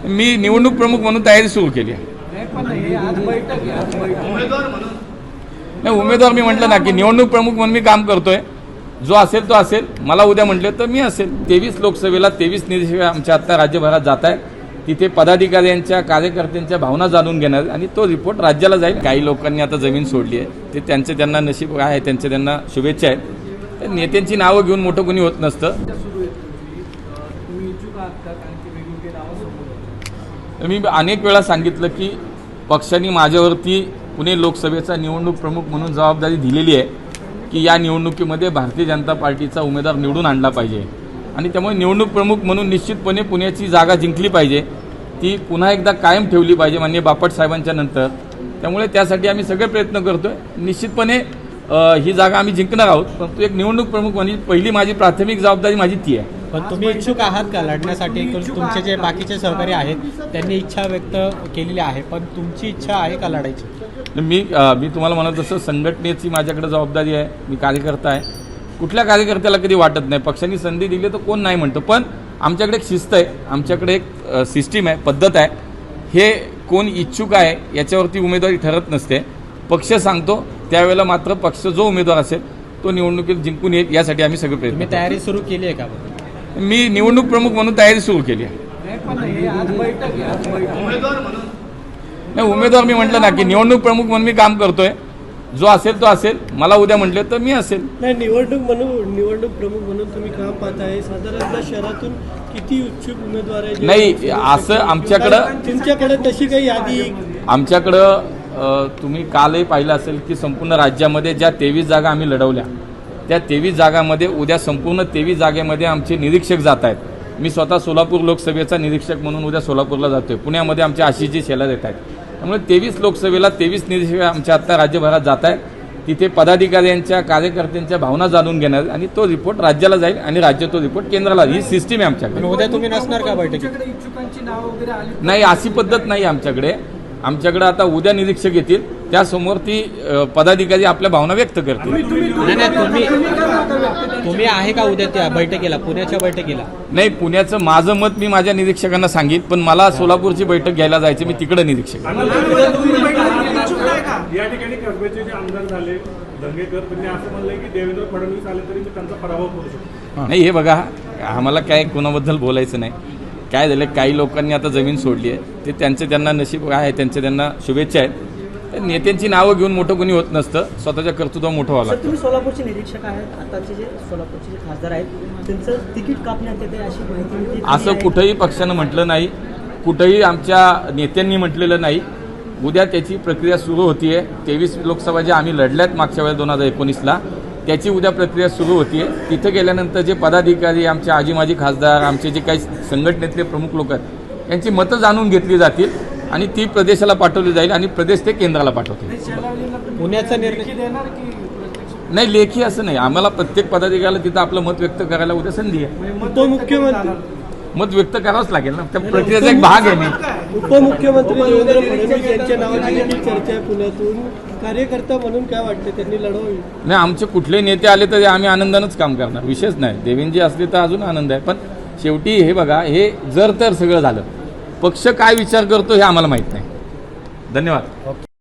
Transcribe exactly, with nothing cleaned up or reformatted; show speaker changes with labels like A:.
A: मी निवडणूक प्रमुख म्हणून तयारी सुरू केली आहे. नाही, उमेदवार मी म्हटलं ना की निवडणूक प्रमुख म्हणून मी काम करतोय. जो असेल तो असेल. मला उद्या म्हटले तर मी असेल. तेवीस लोकसभेला तेवीस निरीक्षक आमच्या आता राज्यभरात जात आहेत. तिथे पदाधिकाऱ्यांच्या कार्यकर्त्यांच्या भावना जाणून घेणार आणि तो रिपोर्ट राज्याला जाईल. काही लोकांनी आता जमीन सोडली आहे. ते त्यांचे त्यांना नशीब आहे, त्यांचे त्यांना शुभेच्छा आहेत. नेत्यांची नावं घेऊन मोठं कोणी होत नसतं. मी अनेक वेळा सांगितलं की पक्षाने माझ्यावरती पुणे लोकसभेचा निवडणूक प्रमुख म्हणून जबाबदारी दिलेली आहे की या निवडणुकीमध्ये भारतीय जनता पार्टीचा उमेदवार निवडून आणला पाहिजे आणि त्यामुळे निवडणूक प्रमुख म्हणून निश्चितपणे पुण्याची जागा जिंकली पाहिजे. ती पुन्हा एकदा कायम ठेवली पाहिजे माननीय बापट साहेबांच्या नंतर. त्यामुळे त्यासाठी आम्ही सगळे प्रयत्न करतोय. निश्चितपणे ही जागा आम्ही जिंकणार आहोत. परंतु एक निवडणूक प्रमुख म्हणजे पहिली माझी प्राथमिक जबाबदारी माझी ती आहे.
B: पण तुम्ही इच्छुक आहात का लढण्यासाठी? तुमचे जे बाकीचे सहकारी आहेत त्यांनी इच्छा व्यक्त केलेली आहे, पण तुमची इच्छा आहे का लढायची?
A: मी मी तुम्हाला म्हणत तसं संघटनेची माझ्याकडे जबाबदारी आहे. मी कार्यकर्ता आहे. कुठल्या कार्यकर्त्याला कधी वाटत नाही पक्षाने संधी दिली तर कोण नाही म्हणतं. पण आमच्याकडे एक शिस्त आहे, आमच्याकडे एक सिस्टीम आहे, पद्धत आहे. हे कोण इच्छुक आहे याच्यावरती उमेदवारी ठरत नसते. पक्ष सांगतो त्यावेळेला मात्र पक्ष जो उमेदवार असेल तो निवडणुकीत जिंकून येईल यासाठी आम्ही सगळे प्रयत्न.
B: मी तयारी सुरू केली आहे का?
A: मी निवडणूक प्रमुख म्हणून तयारी सुरू केली आहे. नाही, उमेदवार मी म्हटलं ना की निवडणूक प्रमुख म्हणून मी काम करतोय. जो असेल तो असेल. मला उद्या म्हटले तर मी असेल.
C: नाही, निवडणूक म्हणून निवडणूक प्रमुख म्हणून तुम्ही काम पाहताय. साधारणतः शहरातून किती इच्छुक उमेदवार आहेत?
A: नाही, असं आमच्याकडं
C: तुमच्याकडे तशी काही यादी?
A: आमच्याकडं तुम्ही कालही पाहिलं असेल की संपूर्ण राज्यामध्ये ज्या तेवीस जागा आम्ही लढवल्या त्या तेवीस जागांमध्ये उद्या संपूर्ण तेवीस जागेमध्ये आमचे निरीक्षक जात आहेत. मी स्वतः सोलापूर लोकसभेचा निरीक्षक म्हणून उद्या सोलापूरला जातोय. पुण्यामध्ये आमच्या आशिषजी शेलार येत आहेत. त्यामुळे तेवीस लोकसभेला तेवीस निरीक्षक आमच्या आता राज्यभरात जात आहेत. तिथे पदाधिकाऱ्यांच्या कार्यकर्त्यांच्या भावना जाणून घेणार आणि तो रिपोर्ट राज्याला जाईल आणि राज्य तो रिपोर्ट केंद्राला. ही सिस्टीम आहे आमच्याकडे.
B: उद्या तुम्ही नसणार का बैठकीत?
A: नाही, अशी पद्धत नाही आमच्याकडे. आमच्याकडे आता उद्या निरीक्षक येतील त्यासमोर ती पदाधिकारी आपल्या भावना व्यक्त करतील.
B: नाही नाही, तुम्ही तुम्ही आहे का उद्या त्या बैठकीला, पुण्याच्या बैठकीला?
A: नाही, पुण्याचं माझं मत मी माझ्या निरीक्षकांना सांगितलं. पण मला सोलापूरची बैठक घ्यायला जायचं. मी तिकडे निरीक्षक.
D: या ठिकाणी कसब्याचे जे आमदार झाले दंगेकर त्यांनी असं म्हणलंय की देवेंद्र फडणवीस आले तरी मी त्यांचा पराभव करू शकतो.
A: नाही, हे बघा, आम्हाला काय कोणाबद्दल बोलायचं नाही. काय झालं, काही लोकांनी आता जमीन सोडली आहे. ते त्यांचे त्यांना नशीब आहे, त्यांचे त्यांना शुभेच्छा आहेत. नेत्यांची नावं घेऊन मोठं कोणी होत नसतं. स्वतःच्या कर्तृत्व मोठं व्हावं लागतं.
E: तुम्ही सोलापूरचे निरीक्षक आहेत. आताचे जे सोलापूरचे जे खासदार आहेत त्यांचं तिकीट कापण्यात येते अशी माहिती
A: असं कुठंही पक्षानं म्हटलं नाही, कुठंही आमच्या नेत्यांनी म्हटलेलं नाही. उद्या त्याची प्रक्रिया सुरू होतीये. तेवीस लोकसभा ज्या आम्ही लढल्यात मागच्या वेळेस दोन हजार एकोणीसला त्याची उद्या प्रक्रिया सुरू होतीये. तिथे गेल्यानंतर जे पदाधिकारी, आमचे आजी माजी खासदार, आमचे जे काही संघटनेतले प्रमुख लोक आहेत यांची मतं जाणून घेतली जातील आणि ती प्रदेशाला पाठवली जाईल आणि प्रदेश ते केंद्राला पाठवतील.
B: पुण्याचा निर्णय
A: नाही, लेखी असं नाही. आम्हाला प्रत्येक पदाधिकाऱ्याला तिथं आपलं मत व्यक्त करायला उद्या संधी आहे.
C: उपमुख्यमंत्री
A: मत व्यक्त करावंच लागेल ना. त्या प्रक्रियेचा एक भाग आहे. मी
C: उपमुख्यमंत्री देवेंद्र फडणवीस यांच्या नावाची देखील चर्चा आहे पुण्यातून. कार्यकर्ता म्हणून काय वाटते, त्यांनी लढवावी?
A: नाही, आमचे कुठले नेते आले तरी आम्ही आनंदानंच काम करणार. विशेष नाही. देवेंद्रजी असले तर अजून आनंद आहे. पण शेवटी हे बघा, हे जर तर सगळं झालं, पक्ष काय विचार करतो हे आम्हाला माहीत नाही. धन्यवाद.